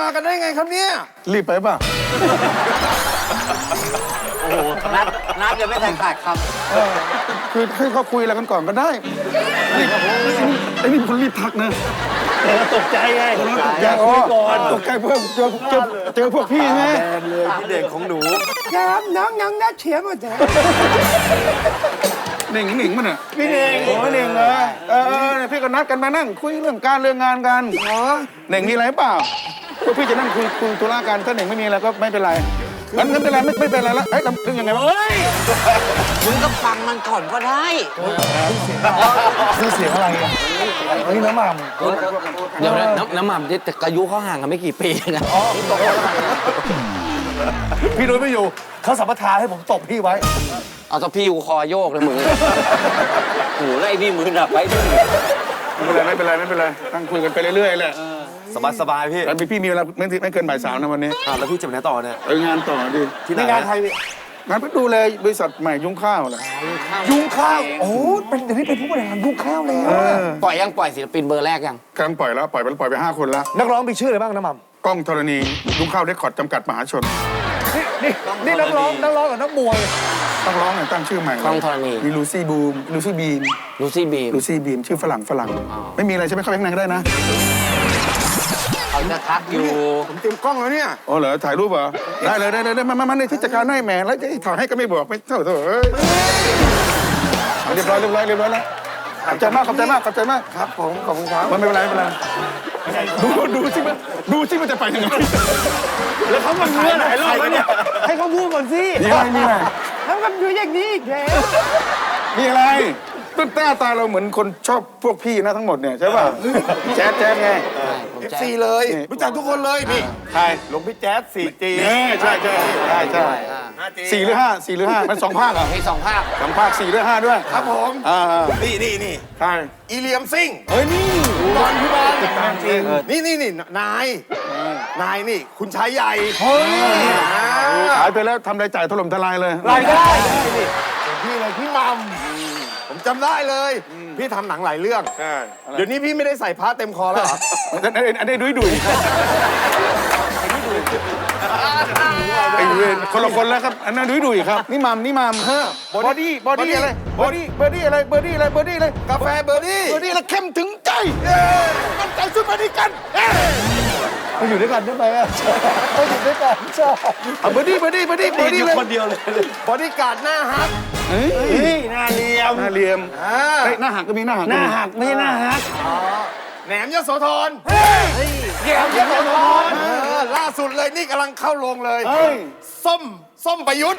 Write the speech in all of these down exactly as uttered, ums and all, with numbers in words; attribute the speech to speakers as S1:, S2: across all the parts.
S1: มากันได้ไงครับเนี่ย
S2: รีบไปป่ะ
S3: โอ้โหนัดนัดยังไม่ทันขาดค
S2: ำคือให้เขาคุยอะไรกันก่อนก็ได้รีบไอ้นี่คนรีบทักนะ
S4: ตกใจไงตกใจ
S2: คุยก่อนตกใจเพิ่มเจอเจอเจอพวกพี่ไง
S1: เลยพี่เด็กของหนูครับน้องน้องนัดเฉียบหมดเลย
S2: หนิงหนิงมันอ่ะ
S1: พี่เน่ง
S2: โอ้หนิงเหรอเออพี่ก็นัดกันมานั่งคุยเรื่องการเรื่องงานกันอ๋อหนิงมีอะไรเปล่าพวกพี่จะนั่งคุยคุยธุระกันถ้าหนิงไม่มีอะไรก็ไม่เป็นไรงั้นไม่เป็นไรไม่ไม่เป็นไรแล้วเอ้ยเรื่องยังไงวะ
S3: เฮ้ยมึงก็ฟังมันก่อนก็ได้
S4: ซื้อเสียงอะไรอ่ะเฮ้ยน้ำมัน
S3: เดี๋ยวนะน้ำมันแต่อายุเขาห่างกันไม่กี่ปีนะ
S4: พี่นุ้ยไม่อยู่เขาสัมปทานให้ผมตบพี่ไว้
S3: เอาตะพี่กูคอโยกเลยมึงโอ้โหไล่นี่มือหนักไปด้วย
S2: ไม่เป็นไรไม่เป็นไรไม่เป็นไรนั่งคุยกันไปเรื่อยๆแหละ
S4: สบายสบายพี่
S2: แล้วพี่มีเวลาไม่ไม่เกินบ่ายสามนะวันนี้
S4: อ่าแล้วพี่จะไปไหนต่อเนี่ย
S2: เอองานต่อดิ
S4: ที่งานไทย
S2: งานไปดูแลบริษัทใหม่ยุ้งข้าวเหรอ
S4: ยุ้งข้าวโอ้เป็นเดี๋ยวนี้เป็นผู้บริหารยุ้งข้าวแล้ว
S3: ปล่อยยังปล่อยศิลปินเบอร์แรกยัง
S2: กำลังปล่อยแล้วปล่อยไปปล่อยไปห้าคนแล้ว
S4: นักร้องมีชื่ออะไรบ้างน้ำมัน
S2: กล้องธรณียุ้งข้าวเรคคอร์ดจำกัดมหาชน
S4: นี่นี่นี่นักร้องนักร้องกับนักมวย
S2: ต้องร้องเนี่ยตั้งชื่อใหม่
S3: กล้องธรณี
S2: มีลูซี่บูมลูซี่บีม
S3: ลูซี่บีม
S2: ลูซี่บีมชื่อฝรั่งฝรั่งไม่มีอะไรใช่ไหมเข้าไปข้างในก็ได้นะ
S3: เขาจะทักอยู่
S1: ผมเตรียมกล้องแล้วเนี่ย
S2: อ๋อเหรอถ่ายรูปเหรอได้เลยได้เลยได้มามามาในที่จัดการให้แหมแล้วจะถ่ายให้ก็ไม่บอกไม่เท่าเถอะเรียบร้อยเรียบร้อยเรียบร้อยแล้วขอบใจมากขอบใจมากขอบใจมาก
S1: ครับผมขอบคุณครับ
S2: มันไม่เป็นไรไม่เป็นไรดูดูสิมันดูสิมันจะไปยังไง
S4: แล้วเขามาเมื่อไหร่รอบเนี่ยให้เขาพูดก่อนสิ
S2: มีอะไรมีอะไร
S1: แล้วมันอยู่อย่างนี้อีกแล้ว
S2: มีอะไรต้นตาตาเราเหมือนคนชอบพวกพี่นะทั้งหมดเนี่ยใช่ป่ะแจ๊ดแจ๊ดไง
S1: เอฟซีเลยรู้จักทุกคนเลยพี่
S2: ใคร
S1: หลวงพี่แจ๊ดสี่จี
S2: ใช่ใช่ใช่ใช่สี่หรือห้าสี่หรือห้ามันสองภาคเหรอ
S3: มีสองภาค
S2: สองภาคสี่หรือห้าด้วย
S1: ครับผม
S2: อ่า
S1: นี่นี่นี่
S2: ใช่
S1: อีเลียมซิง
S2: เฮ้ยนี่
S1: บอลพี่บอลนี่นี่นี่นายนายนี่คุณชายใหญ่
S2: เฮ้ยขายไปแล้วทำรายจ่ายถล่มทลายเลย
S1: รายได้พี่เลยพี่มัมผมจำได้เลยพี่ทำหนังหลายเรื่องเดี๋ยวนี้พี่ไม่ได้ใส่ผ้าเต็มคอแล้วเหรอ
S2: อันนี้ดุยดุยไอ้เวรคนละคนแล้วครับอันนั้นดุยดุยครับนี่มัมนี่มัมเฮ้อบอดี้บอดี้อะไรบอดี้บอดี้อะไรเบอร์ดี้อะไรเบอร์ดี้อะไร
S1: กาแฟเบอร์ดี้
S2: เบอร์ดี้แล้วเข้มถึงใจมันใจสุดมาดีกัน
S4: ไปอยู่ด้วยกันได้ไหมอ่ะไปอยู่ด้วยกันชอบ
S2: เบอร์ดี้เบอร์ดี้เบอร์ดี้เบอร์ดี้เลย
S4: คนเดียวเลย
S1: บอดี้การ์ดหน้าฮัก
S2: เฮ้
S4: ยหน้าเลียม
S2: หน้าเลียมหน้าหักก็มีหน้าหัก
S4: หน้าหักไม่ใช่หน้าหัก
S1: แหนมยโสธรแหนมยโสธรล่าสุดเลยนี่กำลังเข้าโรงเลยส้มส้มประยุทธ์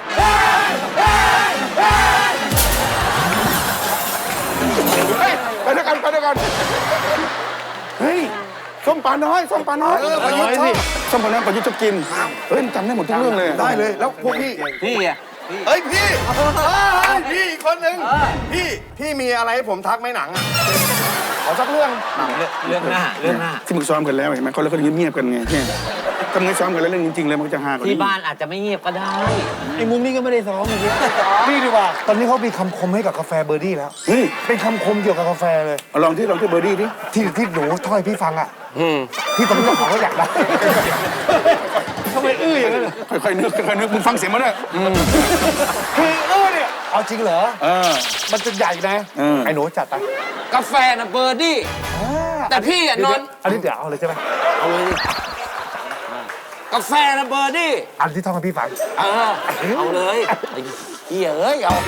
S2: ไปด้วยกันไปด้วยกันเฮ้ยส้มปลาน้อยส้มปลาน้อย
S1: ประยุทธ์ชอบ
S2: ส้มปลาน้อยประยุทธ์ชอบกินเฮ้ยจำได้หมดทุกเรื่องเลย
S1: ได้เลยแล้วพวกพี่
S3: พี่อ่ะ
S1: เฮ้ยพี่พี่อีกคนหนึ่งพี่พี่มีอะไรให้ผมทักไหมหนังอ่ะขอสักเรื่อง
S3: เรื่องหน้าเรื่องหน้า
S2: ที่มึงซ้อมกันแล้วเห็นไหมเขาแล้วก็เงียบๆกันไงถ้ามึงซ้อมกันแล้วเรื่องจริงๆเลยมันจะฮากัน
S3: ที่บ้านอาจจะไม่เงียบก็ได้
S4: ไอ้มุมนี้ก็ไม่ได้ซ้อมเมื่อกี้นี่ดีกว่าตอนนี้เขามีคำคมให้กับกาแฟเบอร์ดี้แล้วเป็นคำคมเกี่ยวกับกาแฟเลย
S2: ลองที่ลองที่เบอร์ดี้ดิ
S4: ที่ที่หนูถ้อยพี่ฟังอ่ะพี่ตอนนี้ของเขาอยากได้ทำไมอื้ออย่างนั้น
S2: ค่อยๆนึกค่อยๆนึกมึงฟังเสียงมันเลย
S4: คืออื้อเนี่ยเอาจริงเหรอ
S2: เออ
S4: มันจะใหญ่นะไอ้หนูจัดไป
S3: กาแฟนะเบอร์ดี้แต่พี่อ่ะนอน
S4: อันนี้เดี๋ยวเอาเลยใช่ไหม
S3: เอาเลยกาแฟนะเบอร์ดี้
S4: อันที่ท่องให้พี่ฟัง
S3: เออเอาเลยเฮียเอ้ยเอา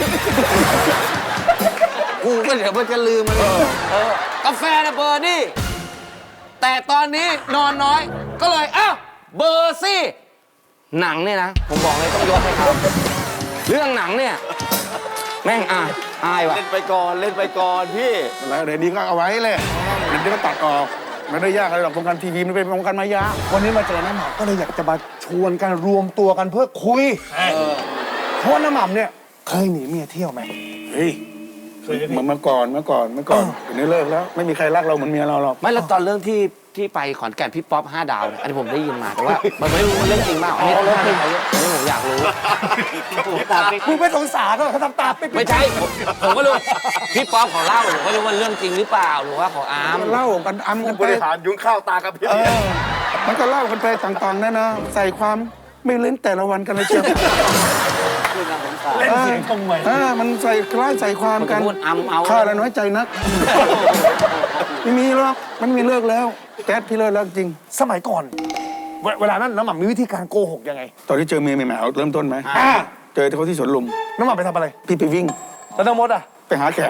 S3: กูก็เดี๋ยวมันจะลืมมันเออกาแฟนะเบอร์ดี้แต่ตอนนี้นอนน้อยก็เลยอ้าวเบอร์ซี่หนังเนี่ยนะผมบอกเลยต้องยกให้เขาเรื่องหนังเนี่ยแม่งอายอายว่ะ
S1: เล่นไปก่อนเล่นไปก่อนพี่
S2: แล้วเดี๋ยวนี้ก็เอาไว้เลยเดี๋ยวก็ตัดออกไม่ได้ยากอะไรหรอกวงการทีวีมันเป็นวงการมายา
S4: วันนี้มาเจอน้ำหม่ำก็เลยอยากจะมาชวนกันรวมตัวกันเพื่อคุยเพราะน้ำหม่ำเนี่ยเคยหนีเมียเที่ยวไหม
S2: เฮ้ยเหมือนเมื่อก่อนเมื่อก่อนเมื่อก่อนเดี๋ยวนี้เลิกแล้วไม่มีใครรักเราเหมือนเมียเราหรอก
S3: ไม่แล้วตอนเรื่องที่ที่ไปขอนแก่นพี่ป๊อปห้าดาวเนี่ยอันนี้ผมได้ยินมาแต่ว่ามันไม่รู้เรื่องจริงเปล่าอันนี้เรื่องจริงอันนี้ผมอยากรู้
S4: มึงไม่สงสารก็เขาทำตาไป
S3: ไม่ใช่ผมก็รู้พี่ป๊อปเขาเล่าผมก็รู้ว่าเรื่องจริงหรือเปล่าหรือว่าเขาอาม
S2: เล่ากันอามกัน
S1: บริหารยุ้งข้าวตากระพริบ
S2: มันก็เล่ากันไปต่างๆนะนะใส่ความไม่เล่นแต่ละวันกันเลยเชียว
S4: เล่นเสียงทำไม
S2: เออมันใส่คล้ายใส่ความกัน
S3: พูดอำเอา
S2: ข้าละน้อยใจนัก ไม่มีหรอกมันมีเลิกแล้วแก๊สพี่เลิกแล้วจริง
S4: สมัยก่อนเวเวลานั้นน้ำหม่ำมีวิธีการโกหกยังไง
S2: ตอนที่เจอเมียใหม่ๆเอาเริ่มต้นไหม
S4: อ่า
S2: เจอเขาที่สวนลุม
S4: น้ำหม่ำไปทำอะไร
S2: พี่ไปวิ่ง
S4: แล้วน้องมดอ่ะ
S2: ไปหาแขก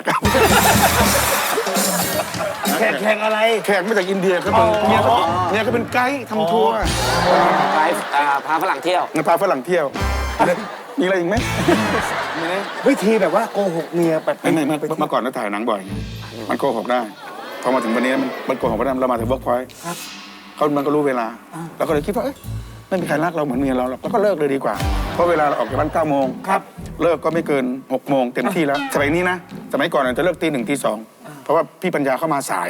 S4: แข่งแข่งอะไร
S2: แขกมาจากอินเดียเขาเป็นเมียเขาเมียเขาเป็นไกด์ทำทัวร์
S3: ไปอ่าพาฝรั่งเที่ยว
S2: งั้นพาฝรั่งเที่ยวมีอะไรอีกไหมมีไหม
S4: วิธีแบบว่าโกหกเมียแบบ
S2: ไม่ไม่ไม่เมื่อก่อนเราถ่ายหนังบ่อย มันโกหกได้ พอมาถึงวันนี้มันมันโกหกไม่ได้เรามาถึงเวิร์กพอยต์เขามันก็รู้เวลาเราก็เลยคิดว่าเอ้ยไม่มีใครรักเราเหมือนเมียเราหรอกเราก็เลิกเลยดีกว่า เพราะเวลาเราออกจากบ้านเก้าโมง
S4: ครับ
S2: เลิกก็ไม่เกินหกโมงเต็มที่แล้วสมัยนี้นะ สมัยก่อนจะเลิกตีหนึ่งตีสองเพราะว่าพี่ปัญญาเข้ามาสาย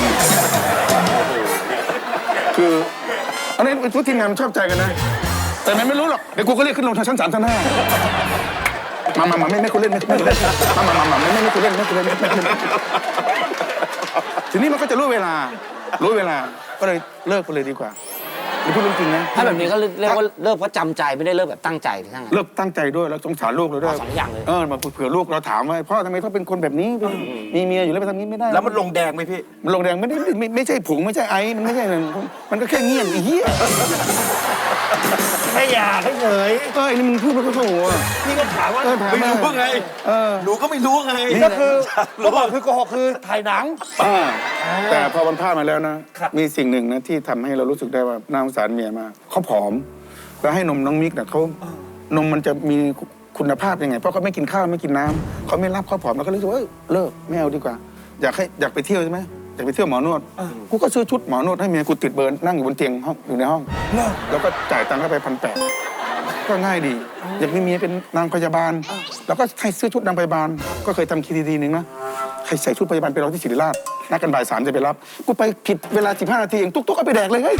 S2: คืออันนี้ทุกทีมงานมันชอบใจกันนะ แต่มันไม่รู้หรอกเดี๋ยวกูก็เรียกขึ้นลงทางชั้นสามชั้นห้ามามามาไม่ไม่คุณเล่นไม่ไม่คุณเล่นมามามามาไม่ไม่ไม่คุณเล่นไม่คุณเล่นไม่ไม่คุณเล่นทีนี้มันก็จะรู้เวลา รู้เวลาก็เลยเลิกไปเลยดีกว่าหรือพูดเรื่องจริงนะ
S3: ถ้าแบบนี้ก็เรียกว่าเลิกเพราะจำใจไม่ได้เลิกแบบตั้งใจทั้งนั้น
S2: เลิกตั้งใจด้วยแล้วสงสารลูกเราด้วย
S3: เอาสองอย่างเลย
S2: เออมาเผื่อลูกเราถามว่าพ่อทำไมเขาเป็นคนแบบนี้มีเมียอยู่แล้วไปทำนี้ไม่ได้
S1: แล้วมันลงแดงไหมพี่
S2: มันลงแดงไม่ได้ไม่ไม่ใช่ผงไม่ใช่ไอมันไม่ใช่อะไรมันก็แค่เงียบไอ้เหี้ย
S4: แค่อยากให้เฉย
S2: เออไอ้นี่มึงพูดมันก็โถ่อะ
S1: พี่ก็ถามว่า
S2: เออถาม
S1: ไม่รู้
S2: มา
S1: ไง
S2: เออ
S1: หนูก็ไม่รู้ไง
S4: ก็คือเมื่อก่อนคือโกหกคือถ่ายหนัง
S2: อ่าแต่พอวันพลาดมาแล้วนะ มีสิ่งหนึ่งนะที่ทำให้เรารู้สึกได้ว่าน่าสงสารเมียมากเขาผอม แล้วให้นมน้องมิกเนี่ยเขานมมันจะมีคุณภาพยังไง เพราะเขาไม่กินข้าวไม่กินน้ำเขาไม่รับเขาผอมเราก็เลยรู้สึกว่าเอ้ยเลิกไม่เอาดีกว่า อยากให้อยากไปเที่ยวใช่ไหมอยากไปเที่ยวหมอนวดกูก็ซื้อชุดหมอนวดให้เมียกูติดเบิร์นนั่งอยู่บนเตียงห้องอยู่ในห้องแล้วก็จ่ายตังค์เข้าไปพันแปดก็ง่ายดี อยากมีเมียเป็นนางพยาบาล แล้วก็ให้ซื้อชุดนางพยาบาล ก็เคยทำคีดีดีหนึ่งนะใครใส่ชุดพยาบาลไปรอที่ศิริราชนัดกันบ่ายสามจะไปรับกูไปผิดเวลาสิบห้านาทีเองตุ๊กตุ๊กก็ไปแดกเลยเฮ้ย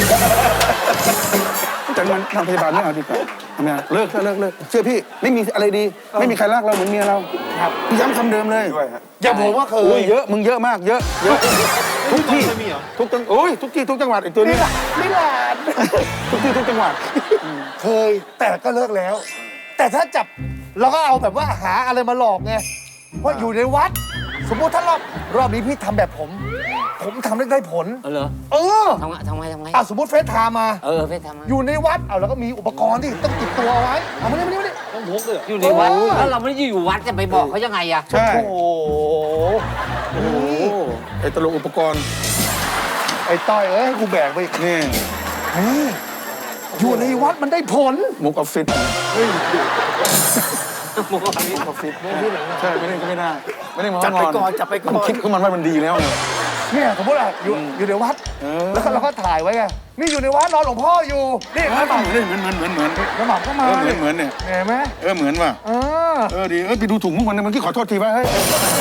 S2: แต่มันนางพยาบาลไม่เอาดีกว่าทำไมอะเลิกเลิกเลิกเลิกเชื่อพี่ไม่มีอะไรดี ไม่มีใครรักเราเหมือนเมียเราครับย้ำคำเดิมเลย
S4: อย่างผมว่าเค
S2: โอ้
S4: ย
S2: ยเยอะมึงเยอะมากเยอะเยอะทุกที่ทุกจังโอ้ยทุกที่ทุกจังหวัดไอ้ตัวนี้
S4: ไม่หลาน
S2: ทุกที่ทุกจังหวัด
S4: เคยแต่ก็เลิกแล้ว แต่ถ้าจับเราก็เอาแบบว่าหาอะไรมาหลอกไงเพราะอยู่ในวัด สมมติถ้ารอบรอบนี้พี่ทำแบบผม ผมทำได้ได้ผล
S3: เออเหรอ
S4: เออ
S3: ทำไงทำไงทำไง
S4: อ่ะสมมติเฟซไทม์มา
S3: เออไปทำไง
S4: อยู่ในวัดเอาแล้วก็มีอุปกรณ์ที่ต้องติดตัวเอาไว้เอามานี่มานี่มานี่
S3: ต้องพกเลยอยู่ในวัดแล้วเราไม่ได้อยู่วัดจะไปบอกเขายังไงอะ
S2: ใช่
S4: โอ้โหนี่
S2: ไอ้ตลกอุปกรณ์
S4: ไอ้ต้อยเอ้ยให้กูแบกไปอีก
S2: นี่
S4: นี่อยู่ในวัดมันได้ผล
S2: มุกออฟฟิศมุกออฟฟิศใช่ไม่เล่นก็ไม่ได้ไม่เล่น
S1: จัดไปก่อนจัดไปก่อน
S2: มัคิดของมันว่ามันดีแล้วไง
S4: เนี่ยสมมติอ่ะอยู่อยู่ในวัด
S2: เออ
S4: แล้วก็เราก็ถ่ายไว้ไงนี่อยู่ในวัดรอหลวงพ่ออยู่นี่
S2: เหมื
S4: น้ำหม่
S2: อนเหมือนเหมือนเหมือนเหมือน
S4: ำน้ำหม่ำก็มา
S2: เออเหมือนเหมือนเนี่ย
S4: เห็นไหม
S2: เออเหมือนว่ะ
S4: เออ
S2: เออดีเออไปดูถุงมุกมันเมื่อกี้ขอโทษทีว่าเฮ้ย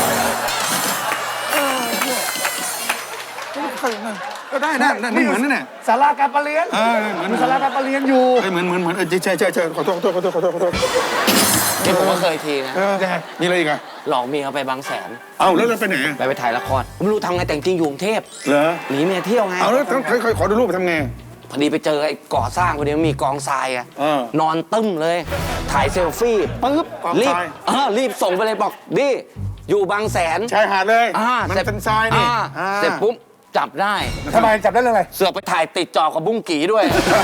S2: ก็ได้นะนั่นเหมือนนั่นแหละ
S4: ศาลาการประเรียน
S2: เออเหมือน
S4: มีศาลาการประเรียนอยู่
S2: เออเหมือนเหมือนเหมือนเออใช่ใช่ใช่ขอโทษขอโทษขอโทษขอโทษขอโทษ
S3: นี่ผมก็เคยทีนะ
S2: เออมีอะไรอีกอ่ะ
S3: หลอกเมียไปบางแสน
S2: เอาแล้วเราไปไหน
S3: ไปไปถ่ายละครผมไม่รู้ทำไงแต่จริงๆอยู่กรุงเทพ
S2: เหรอ
S3: หนีเมียเที่ยวไง
S2: เอาแล้วต้องขอขอดูรูปไปทำไง
S3: พอดีไปเจอไอ้ก่อสร้างพอดีมันมีกองทรายอะ
S2: เออน
S3: อนตึ้มเลย ถ่ายเซลฟี่ปึ๊บ
S2: กอง
S3: รี
S2: ท
S3: บ
S2: ราย
S3: เออรีบส่งไปเลยบอกดิอยู่บางแสน
S2: ชายหาดเลย
S3: อ่า
S2: มัน
S3: เสร็จ
S2: เป็นทรายนี่
S3: อ่า
S2: อ่า
S3: เสร็จปุ๊บจับได้
S4: ทำไมจับได้เรื่องอะไร
S3: เสือกไปถ่ายติดจอกับบุ้งกี่ด้วย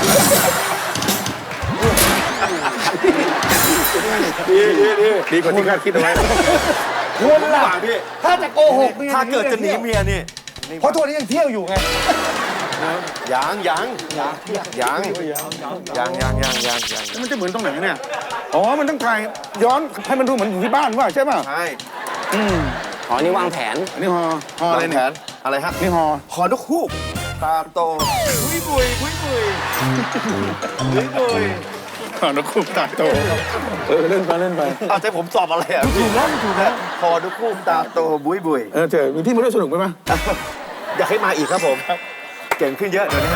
S2: ดีดีดีดีกว่าที่คาดคิดเอาไว้
S4: ควรล่ะ
S1: พี่
S4: ถ้าจะโกหกเมีย
S1: ถ้าเกิดจะหนีเมียนี่
S4: เพราะทุกวันนี้ยังเที่ยวอยู่ไง
S1: ยังยังยังยังยังยังยังยังยัง
S2: แล้วมันจะเหมือนตรงไหนเนี่ย อ๋อ มันต้องถ่ายย้อนให้มันดูเหมือนอยู่ที่บ้านว่าใช่ป่ะ
S1: ใช่
S2: อืม
S3: อ๋อนี่วางแผน
S2: อันนี้ฮอฮออะไรเนี่ย
S1: อะไรฮะ
S2: นี่ฮอ
S1: ขอนกฮูกตาโตบุยบุยบุยบุยบุยบุย
S2: ฮอนกคูกตาโตเออเล่นไปเล่นไป
S1: เอาใจผมสอบอะไรอ่ะ
S4: ถูกแล้วถูกแล้ว
S1: ขอนกฮูกตาโตบุยบุย
S2: เออเจอมีพี่มาด้วยสนุกไหมมั้ย
S1: อยากให้มาอีกครับผมเก่งขึ้นเยอะเดี๋ยวนี้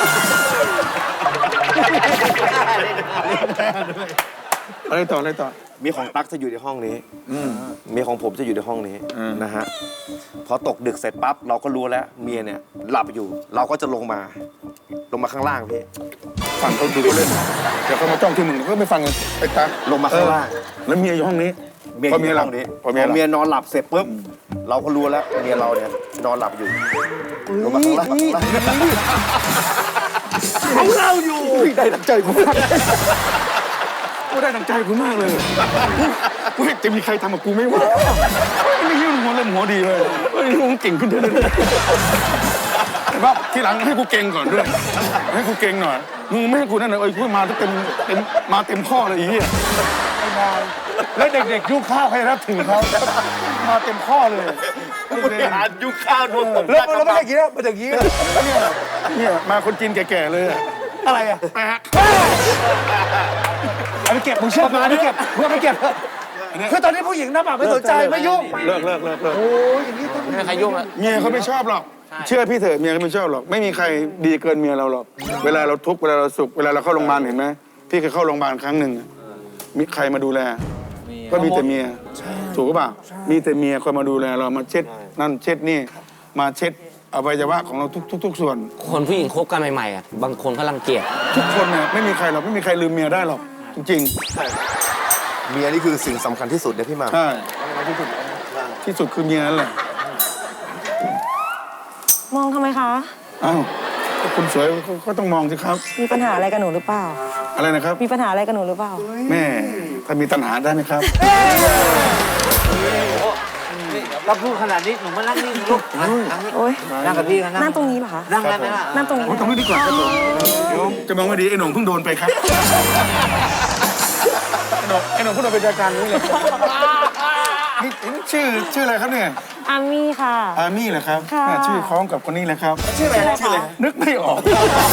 S2: อะไรต่ออะไรต่อ
S5: มีของตั๊กจะอยู่ในห้องนี้มีของผมจะอยู่ในห้องนี้นะฮะพอตกดึกเสร็จปั๊บเราก็รู้แล้วเมียเนี่ยหลับอยู่ เราก็จะลงมา ลงมาข้างล่างพี่
S2: ฟังเขาดูเขาเล่นเดี๋ยวเขามาจ้องที่มึงก็ไม่ฟังเลยไอ้ตา
S5: ลงมาข้างล่าง
S2: แล้วเมียอยู่ห้องนี้
S5: เมีย
S2: พ
S5: อ
S2: อยู่ เมีย
S5: ใน
S2: หลั
S5: ห้
S2: บ
S5: องนี้
S2: พอ
S5: พ
S2: เมีย
S5: อ
S2: หลับ
S5: เมียนอนหลับเสร็จปุ๊บเราก็รู้แล้วเมียเราเนี่ยนอนหลับอยู่ลงมาข้างล่าง
S2: ของเราอยู่ได้ดังใจกูมากกูได้ดังใจกูมากเลยกูจะมีใครทำกับกูไม่ว่าไม่ยิ้มหัวเล่นหัวดีเลยเฮ้ยมึงเก่งขึ้นเรื่อยๆแต่ว่าทีหลังให้กูเก่งก่อนด้วยให้กูเก่งหน่อยมึงไม่ให้กูนั่นเลยเอ้ยกูมาเต็มเต็มมาเต็มข้อเลยอีเหี้ย
S4: แล้วเด็กๆยุคข้าวใครรับถือเขามาเต็มข้อเลย
S5: บริหารยุคข้าวโดนตบ
S4: แล้วแล้วไม่ได้กี้นะไม่ได้กี้นะ
S2: เนี่ยมาคนจีนแก่ๆเลยอะ
S4: อะไรอ่ะเอาไปเก็บมึงเชื่อมาดิเก็บเพื่อไปเก็บคือตอนนี้ผู้หญิงน้ำหมากไม่สนใจไม่ยุ่ง
S2: เลิกเลิกเลิกเลิก
S4: โอ้ยอย่างนี้ต้อง
S3: ไม่มีใครยุ่งแล้ว
S2: เมียเขาไม่ชอบหรอกเชื่อพี่เถอะเมียเขาไม่ชอบหรอกไม่มีใครดีเกินเมียเราหรอกเวลาเราทุกข์เวลาเราสุขเวลาเราเข้าโรงพยาบาลเห็นไหมพี่เคยเข้าโรงพยาบาลครั้งหนึ่งอะมีใครมาดูแล ก็มีแต่เมียถูกหรือเปล่ามีแต่เมียคอยมาดูแลเรามาเช็ดนั่นเช็ดนี่มาเช็ดอวัยวะของเราทุกทุกทุกส่วน
S3: คนผู้หญิงคบกันใหม่ๆอ่ะบางคนเขารังเกียจ
S2: ทุกคนเนี่ยไม่มีใครหรอกไม่มีใครลืมเมียได้หรอกจริง
S5: เมียนี่คือสิ่งสำคัญที่สุดเนี่ยพี่หมา
S2: ๆใช่ที่สุดคือเมียนั่นแหละ
S6: มองทำไมคะ
S2: อ้าวก็คุณสวยก็ก็ต้องมองสิครับ
S6: มีปัญหาอะไรกับหนูหรือเปล่า
S2: อะไรนะครับ
S6: มีปัญหาอะไรกับหนูหรือเปล่า
S2: แม่ถ้ามีตัณหาได้ไหมครับ
S7: ถ้าพูดขนาดนี้หนูมานั่งนี่ลูกนั่งนี่
S6: โอ๊ย
S7: นั่งกับพี่กัน
S6: นั่งตรงนี้เหรอคะ
S7: นั่งได้ไหมล่ะ
S6: นั่งตรงนี้
S2: โอ้ยตรงนี้ดีกว่าครับผมเดี๋ยวจะมองว่าดีไอ้หนุ่มเพิ่งโดนไปครับไอ้หนุ่มไอ้หนุ่มเพิ่งโดนเป็นรายการนี้เลยนี่นี่ชื่อชื่ออะไรครับเนี่ย
S6: อามี่ค่ะ
S2: อามี่เหรอครับ
S6: ค่ะ
S2: แม่ชื่อคล้องกับคนนี้เลยครับ
S6: ชื่ออะไรชื่ออะไร
S2: นึกไม่ออก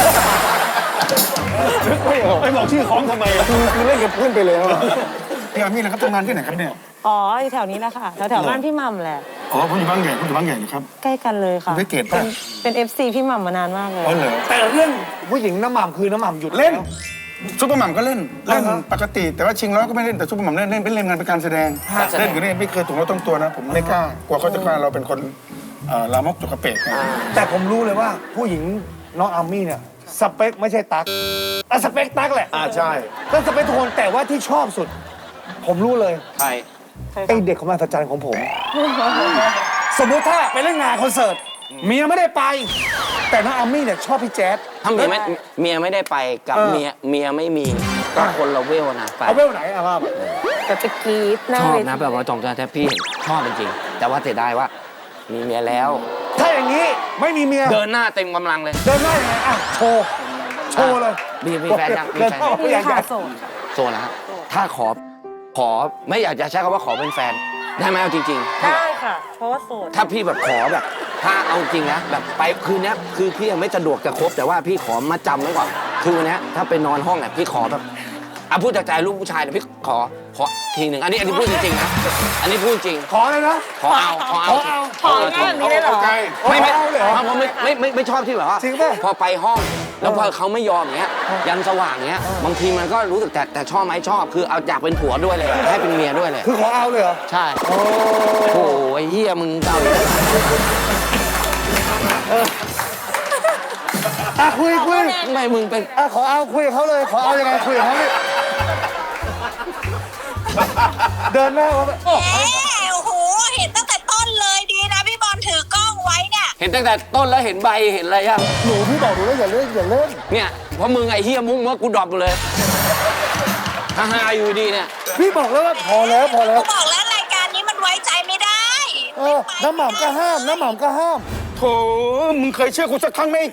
S2: นึกไม่ออกไม่บอกชื่อคล้องทำไมอะคือคือเล่นกับเพื่อนไปแล้วอะพี่อามี่นะครับทำงานที่ไหนครับเนี่ย
S6: อ๋ออยู่แถวนี้แหละค่ะ แถวแถวบ้านพี่หม่ำแหละ
S2: อ๋อผมอยู่บางใหญ่ผมอยู่บางใหญ่นะครับ
S6: ใกล้กันเลยค่ะ
S2: คุณไปเกต
S6: เป็
S2: ป่ะ
S6: นเป็น เอฟ ซี พี่หม่ำมานานมากเลย
S2: อ๋อเหรอ
S4: แต่เรื่องผู้หญิงน้ำหม่ำคือน้ำหม่ำหยุด
S2: เล่น
S4: แล้ว
S2: ซุปเปอร์หม่ำก็เล่นเล่นปกติ แต่ว่าชิงร้อยก็ไม่เล่นแต่ซุปเปอร์หม่ำเล่นเล่นเป็นเล่นงานเป็นการแสดงเล่นกับเล่นไม่เคยถูกเราต้องตัวนะ ผมไม่กล้ากลัวเขาจะว่าเราเป็นคนเอ่อลามกจกกระเปกไง
S4: แต่ผมรู้เลยว่าผู้หญิงน้องอามี่เนี่ยสเปคไม่ใช่ตั๊กอ่ะสเปคตั๊กแหละ
S5: อ่าใช่
S4: ก็สเปคทุกคนแต่ว่าที่ชอบสุด ผมรู้เลย
S3: ใคร
S4: ไอเด็กของมหัศจรรย์ของผม สมมุติถ้าไปเล่นงานคอนเสิร์ตเมียไม่ได้ไป แต่น้องอามี่เนี่ยชอบพี่แจ๊ด
S3: ถ้าเมียไม่เมียไม่ได้ไปกับ
S4: เออ
S3: เมียเมียไม่มีก็คนเราเวลนะไป
S4: เอาเวลไหนอะครับ
S6: แต่ไปกรีดหน้า
S3: ชอบ
S6: เว
S3: นะ
S6: ที
S3: แบบว่าจองใจแทบพี่ชอบจริงๆแต่ว่าเสียดายว่า มีเมียแล้ว
S4: ถ้าอย่างนี้ไม่มีเมีย
S3: เดินหน้าเต็มกำลังเลย
S4: เดินหน้ายังไงอ่ะโชว์โชว์เลย
S3: มีมีแฟนยังมี
S4: เดิน
S3: แฟน
S4: เข้า
S3: ยัง
S4: ผู้
S6: มี
S4: ใหญ่
S6: ค่ะ
S4: ใหญ่
S6: โสดค่ะ
S3: โซนนะฮะถ้าขอขอไม่อยากจะใช้คำว่าขอเป็นแฟน ได้ไหมเอาจริง ๆ
S6: ได้ค่ะ เพราะว่าโสด
S3: ถ้าพี่แบบขอแบบ ถ้าเอาจริงนะแบบไปคืนเนี้ยคือพี่ยังไม่สะดวกจะคบแต่ว่าพี่ขอมาจำไว้ก่อนคือวันเนี้ยถ้าไปนอนห้องเนี่ยพี่ขอแบบอ่ะพูดจากใจลูกผู้ชายเนี่ยพี่ขอขอทีหนึ่งอันนี้อันนี้พูดจริงๆนะอันนี้พูดจริง
S4: ขอเลยนะ
S3: ขอเอาขอเอา
S6: ของ่ายแบบนี้เลยเหรอ
S3: ไม่ไม่
S4: เอาเลยเหรอ
S3: ผมไม่ไม่ไม่ไม่ชอบที่แบบว่า
S4: จริงป่ะ
S3: พอไปห้อง แล้วพอเขาไม่ยอมอย่างเงี้ยยันสว่างเงี้ยบางทีมันก็รู้สึกแต่แต่ชอบไหมชอบ คือเอาอยากเป็นผัวด้วยเลยให้เป็นเมียด้วยเลย
S4: คือขอเอาเลยเหรอ
S3: ใช่โอ้ยเฮียมึงเก่าอีกแล้ว
S4: อ่ะคุยคุย
S3: ทำไมมึงเป็น
S4: อ่ะขอเอาคุยกับเขาเลย ขอเอายังไงคุยกับเขาดิเดินหน้าเขาไปโอ้
S8: แหมโอ้โห เห็นตั้งแต่ต้นเลยดีนะพี่บอลถือกล้องไว้เนี่ย
S3: เห็นตั้งแต่ต้นแล้วเห็นใบเห็นอะไรยัง
S4: หนูพี่บอกหนูแล้วอย่าเล่นอย่าเล่น
S3: เนี่ยเพราะมึงไอ้เฮียมุ้งเมื่อกูดรอปหมดเลยฮ่าฮาอยู่ดีเนี่ย
S4: พี่บอกแล้วว่าพอแล้วพอแล้ว
S8: กูบอกแล้วรายการนี้มันไว้ใจไม่ได้
S4: เออน้ำหม่ำก็ห้ามน้ำหม่ำก็ห้าม
S2: โถมึงเคยเชื่อกูสักครั้งไหม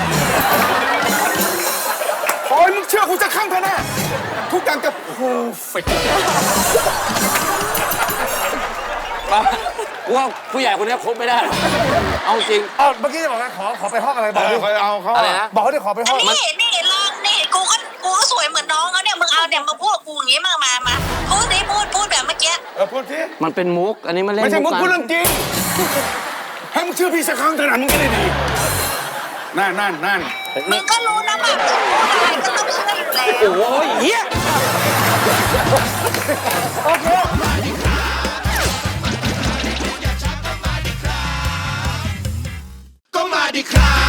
S2: ขอให้มึงเชื่อกูสักครั้งเถอะนะทุกอย่างจะเพอร์เฟกต์
S3: ว่าผู้ใหญ่คนนี้คบไม่ได้หรอกเอาจริง
S4: เอาเมื่อกี้จะบอกว่าขอขอไปห้องอะไรบอกดิ
S2: เคยเอาเขา
S3: อะไรนะ
S4: บอกเขาดิขอไปห้อง
S8: นี่นี่ลองนี่กูก็กูก็สวยเหมือนน้องเขาเนี่ยมึงเอาเนี่ยมาพูดกับกูอย่างงี้มามามาพูดดิพูดพูดแบบเมื่อกี้
S2: เออพูดสิ
S3: มันเป็นมุก อันนี้มันเล่น
S2: ไม่ใช่มึง
S3: กั
S2: พูดเรื่องจริงให้มึงเชื่อพี่สักครั้งเถอะนะมึงก็ได้ดีนั่นนั่นนั่น
S8: มึงก็รู้นะแบบพูดอะไรก็ต้องเชื่ออยู่แล้ว
S3: โอ้ยเฮีย
S4: โอ้
S9: ดีครับ